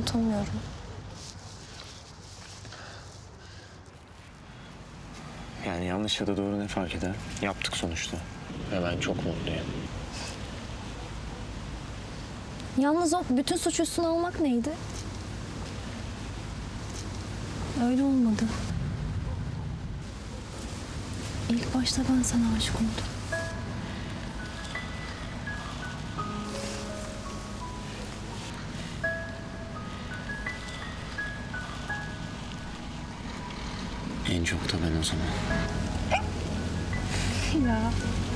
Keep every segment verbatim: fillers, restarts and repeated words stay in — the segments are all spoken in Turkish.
unutamıyorum. Yani yanlış ya da doğru ne fark eder? Yaptık sonuçta. Ve ben çok mutluyum. Yalnız o bütün suç üstüne almak neydi? Öyle olmadı. İlk başta ben sana aşık oldum. En çok da ben o zaman. Ya.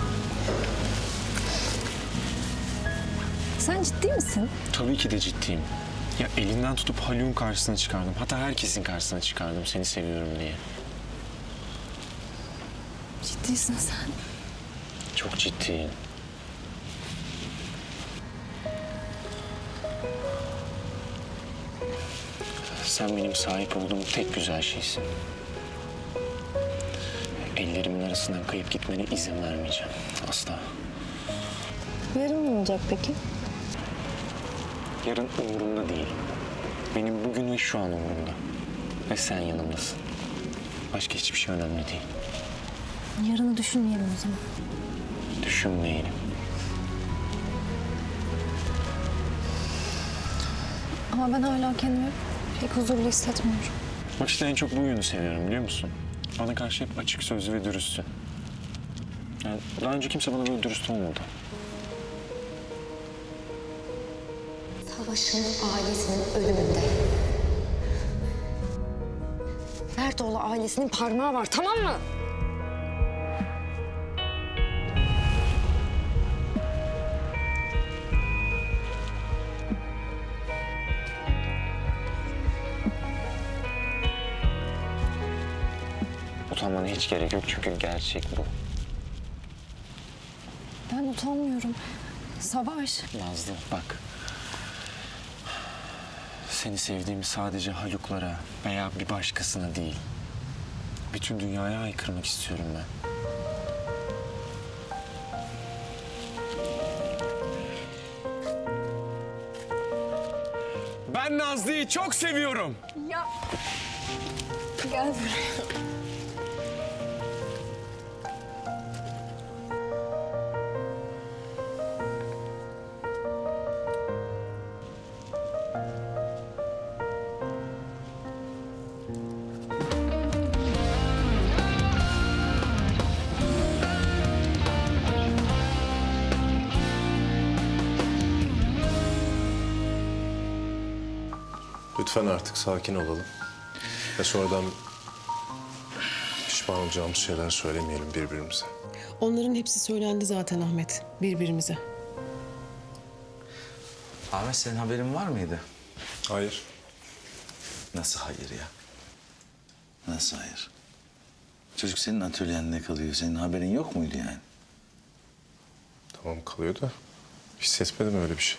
Sen ciddi misin? Tabii ki de ciddiyim. Ya elinden tutup Haluk'un karşısına çıkardım. Hatta herkesin karşısına çıkardım seni seviyorum diye. Ciddisin sen. Çok ciddiyim. Sen benim sahip olduğum tek güzel şeysin. Ellerimin arasından kayıp gitmene izin vermeyeceğim. Asla. Yarın ne olacak peki? Yarın umurumda değil. Benim bugün ve şu an umurumda. Ve sen yanımdasın. Başka hiçbir şey önemli değil. Yarını düşünmeyelim o zaman. Düşünmeyelim. Ama ben hala kendimi pek huzurlu hissetmiyorum. Bak işte en çok bu yönü seviyorum biliyor musun? Bana karşı hep açık sözlü ve dürüstsün. Yani daha önce kimse bana böyle dürüst olmadı. Savaş'ın ailesinin ölümünde Mertoğlu ailesinin parmağı var, tamam mı? Utanmana hiç gerek yok çünkü gerçek bu. Ben utanmıyorum. Savaş. Nazlı bak. Seni sevdiğimi sadece Haluk'lara veya bir başkasına değil. Bütün dünyaya haykırmak istiyorum ben. Ben Nazlı'yı çok seviyorum. Ya. Gel buraya. Lütfen artık sakin olalım. Ve sonradan pişman olacağımız şeyler söylemeyelim birbirimize. Onların hepsi söylendi zaten Ahmet, birbirimize. Ahmet senin haberin var mıydı? Hayır. Nasıl hayır ya? Nasıl hayır? Çocuk senin atölyende kalıyor. Senin haberin yok muydu yani? Tamam kalıyor da hissetmedim öyle bir şey.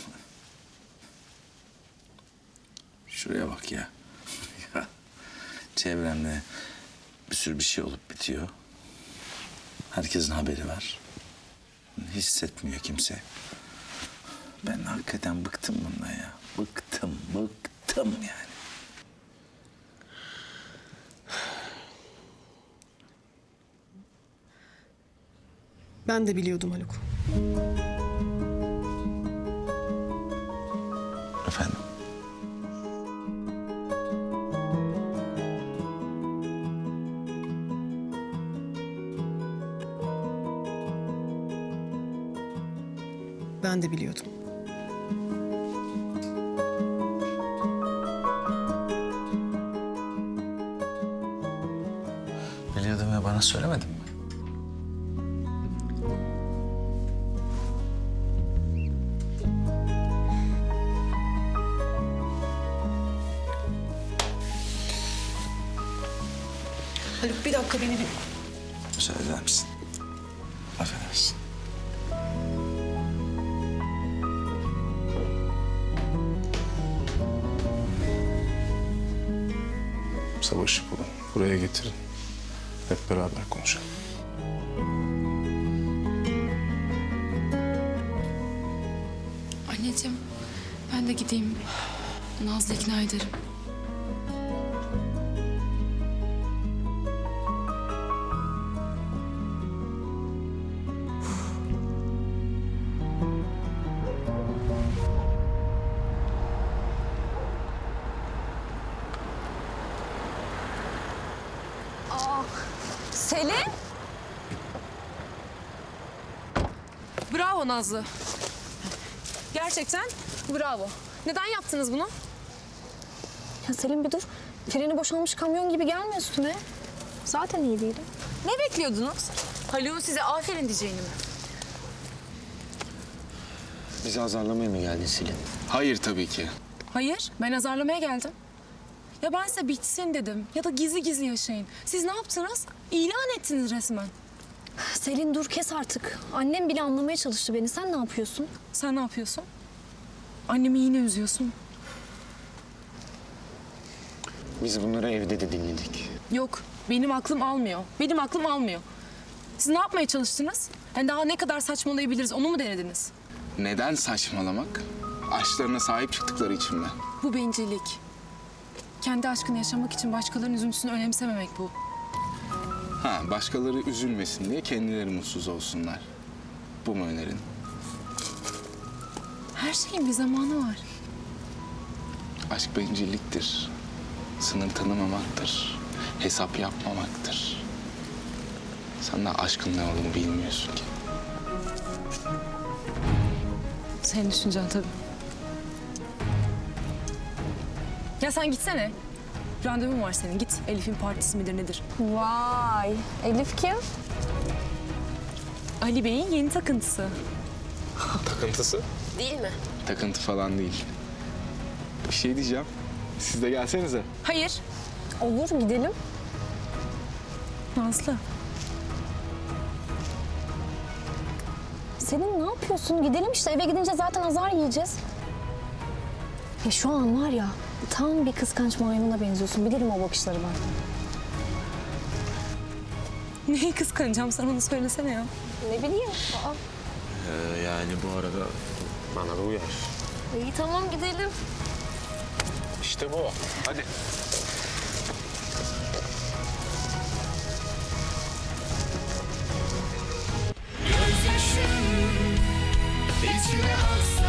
Şuraya bak ya. Ya, çevremde bir sürü bir şey olup bitiyor. Herkesin haberi var. Hissetmiyor kimse. Ben hakikaten bıktım bundan ya. Bıktım, bıktım yani. Ben de biliyordum Haluk. Efendim? Ben de biliyordum. Biliyordum ya bana söylemedin mi? Haluk bir dakika beni bir... Müsaade eder misin? Affedersin. Savaşı bulun. Buraya getirin. Hep beraber konuşalım. Anneciğim, ben de gideyim. Nazlı ikna ederim. Selin? Bravo Nazlı. Gerçekten bravo. Neden yaptınız bunu? Ya Selin bir dur. Freni boşalmış kamyon gibi gelme üstüme. Zaten iyi değilim. Ne bekliyordunuz? Haluk'un size aferin diyeceğini mi? Bizi azarlamaya mı geldin Selin? Hayır tabii ki. Hayır, ben azarlamaya geldim. Ya ben size bitsin dedim ya da gizli gizli yaşayın. Siz ne yaptınız? İlan ettiniz resmen. Selin dur kes artık. Annem bile anlamaya çalıştı beni. Sen ne yapıyorsun? Sen ne yapıyorsun? Annemi yine üzüyorsun. Biz bunları evde de dinledik. Yok, benim aklım almıyor. Benim aklım almıyor. Siz ne yapmaya çalıştınız? Yani daha ne kadar saçmalayabiliriz onu mu denediniz? Neden saçmalamak? Aşklarına sahip çıktıkları için mi? Bu bencillik. Kendi aşkını yaşamak için başkalarının üzüntüsünü önemsememek bu. Ha, başkaları üzülmesin diye kendileri mutsuz olsunlar. Bu mu önerin? Her şeyin bir zamanı var. Aşk bencilliktir. Sınır tanımamaktır. Hesap yapmamaktır. Sen de aşkın ne olduğunu bilmiyorsun ki. Senin düşüncen tabii. Ya sen gitsene. Randevun var senin. Git. Elif'in partisi midir nedir? Vay. Elif kim? Ali Bey'in yeni takıntısı. Takıntısı? Değil mi? Takıntı falan değil. Bir şey diyeceğim. Siz de gelsenize. Hayır. Olur gidelim. Nazlı. Selin ne yapıyorsun? Gidelim işte. Eve gidince zaten azar yiyeceğiz. Ya şu an var ya tam bir kıskanç maymuna benziyorsun. Bilirim o bakışları ben. Neyi kıskanacağım? Sen onu söylesene ya. Ne bileyim. Aa. Ee, yani bu arada bana da uyar. İyi tamam gidelim. İşte bu. Hadi. Gözyaşım içime aksın.